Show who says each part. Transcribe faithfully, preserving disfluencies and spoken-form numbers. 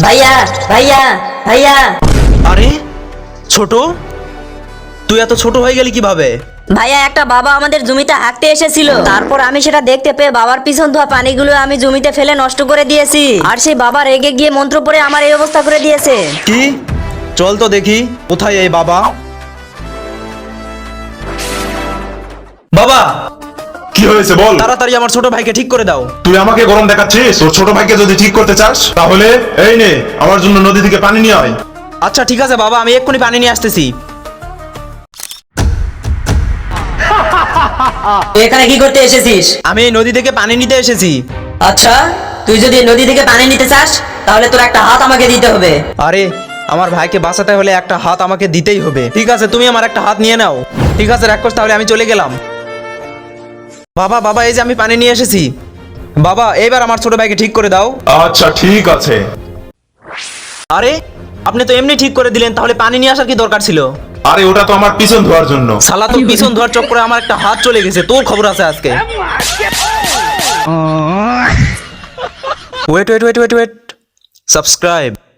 Speaker 1: ভাইয়া ভাইয়া ভাইয়া।
Speaker 2: আরে ছোট, তুই এত ছোট হয়ে গেলি কিভাবে?
Speaker 1: ভাইয়া একটা বাবা আমাদের জমিতে হাঁকতে এসেছিল, তারপর আমি সেটা দেখতে পেয়ে বাবার পিছন ধোয়া পানিগুলো আমি জমিতে ফেলে নষ্ট করে দিয়েছি, আর সেই বাবা রেগে গিয়ে মন্ত্র পড়ে আমার এই অবস্থা করে দিয়েছে।
Speaker 2: কি? চল তো দেখি কোথায় এই বাবা। বাবা,
Speaker 3: কি হয়েছে বল।
Speaker 2: তাড়াতাড়ি আমার ছোট ভাইকে ঠিক করে দাও।
Speaker 3: তুই আমাকে গরম দেখাচ্ছিস? ওর ছোট ভাইকে যদি ঠিক করতে চাস তাহলে এই নে, আমার জন্য নদী থেকে পানি নিয়ে আয়।
Speaker 2: আচ্ছা ঠিক আছে বাবা, আমি এক্ষুনি পানি নিয়ে আসতেছি।
Speaker 1: তুই এখানে কি করতে এসেছিস?
Speaker 2: আমি এই নদী থেকে পানি নিতে এসেছি।
Speaker 1: আচ্ছা, তুই যদি নদী থেকে পানি নিতে চাস তাহলে তোর একটা হাত আমাকে দিতে হবে।
Speaker 2: আরে আমার ভাইকে বাঁচাতে হলে একটা হাত আমাকে দিতেই হবে। ঠিক আছে, তুমি আমার একটা হাত নিয়ে নাও। ঠিক আছে রাক্ষস, তাহলে আমি চলে গেলাম। বাবা বাবা, এই যে আমি পানি নিয়ে এসেছি। বাবা এইবার আমার ছোট ভাইকে ঠিক করে দাও।
Speaker 3: আচ্ছা ঠিক আছে।
Speaker 2: আরে আপনি তো এমনি ঠিক করে দিলেন, তাহলে পানি নিয়ে আসার কি দরকার ছিল?
Speaker 3: আরে ওটা তো আমার পিছন ধোয়ার জন্য।
Speaker 2: শালা তো পিছন ধোয়ার চক্করে আমার একটা হাত চলে গেছে, তোর খবর আছে আজকে। Wait wait wait wait wait subscribe.